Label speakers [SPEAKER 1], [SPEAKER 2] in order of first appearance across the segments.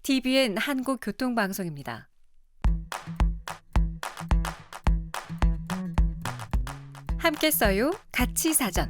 [SPEAKER 1] TVN 한국교통방송입니다. 함께 써요. 같이 사전.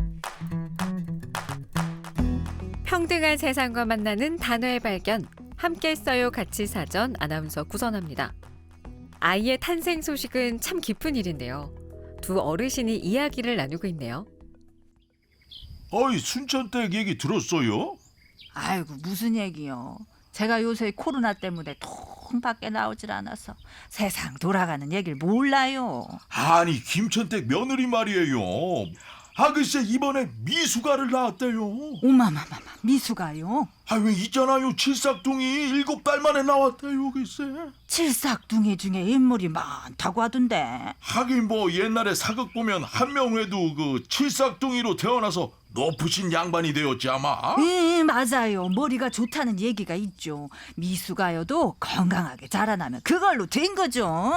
[SPEAKER 1] 평등한 세상과 만나는 단어의 발견. 함께 써요. 같이 사전 아나운서 구선합니다. 아이의 탄생 소식은 참 기쁜 일인데요. 두 어르신이 이야기를 나누고 있네요.
[SPEAKER 2] 어이, 순천댁 얘기 들었어요?
[SPEAKER 3] 아이고 무슨 얘기요. 제가 요새 코로나 때문에 통 밖에 나오질 않아서 세상 돌아가는 얘기를 몰라요.
[SPEAKER 2] 아니, 김천댁 며느리 말이에요. 글쎄 이번에 미숙아를 낳았대요.
[SPEAKER 3] 오마마마마 미숙아요?
[SPEAKER 2] 왜 있잖아요, 칠삭둥이 7달 만에 나왔대요, 글쎄.
[SPEAKER 3] 칠삭둥이 중에 인물이 많다고 하던데.
[SPEAKER 2] 하긴 뭐 옛날에 사극 보면 한명회도 그 칠삭둥이로 태어나서 높으신 양반이 되었지 아마.
[SPEAKER 3] 맞아요. 머리가 좋다는 얘기가 있죠. 미숙아여도 건강하게 자라나면 그걸로 된 거죠.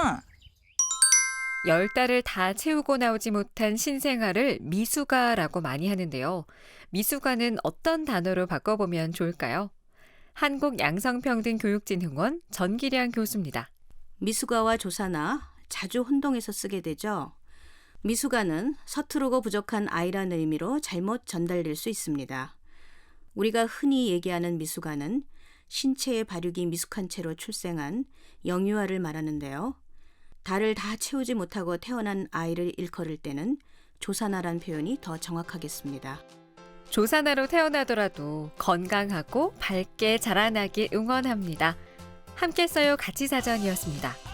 [SPEAKER 1] 10달을 다 채우고 나오지 못한 신생아를 미숙아라고 많이 하는데요. 미숙아는 어떤 단어로 바꿔보면 좋을까요? 한국양성평등교육진흥원 전기량 교수입니다.
[SPEAKER 4] 미숙아와 조사나 자주 혼동해서 쓰게 되죠. 미숙아는 서투르고 부족한 아이라는 의미로 잘못 전달될 수 있습니다. 우리가 흔히 얘기하는 미숙아는 신체의 발육이 미숙한 채로 출생한 영유아를 말하는데요. 달을 다 채우지 못하고 태어난 아이를 일컬을 때는 조사나란 표현이 더 정확하겠습니다.
[SPEAKER 1] 조사나로 태어나더라도 건강하고 밝게 자라나길 응원합니다. 함께 써요 같이 사전이었습니다.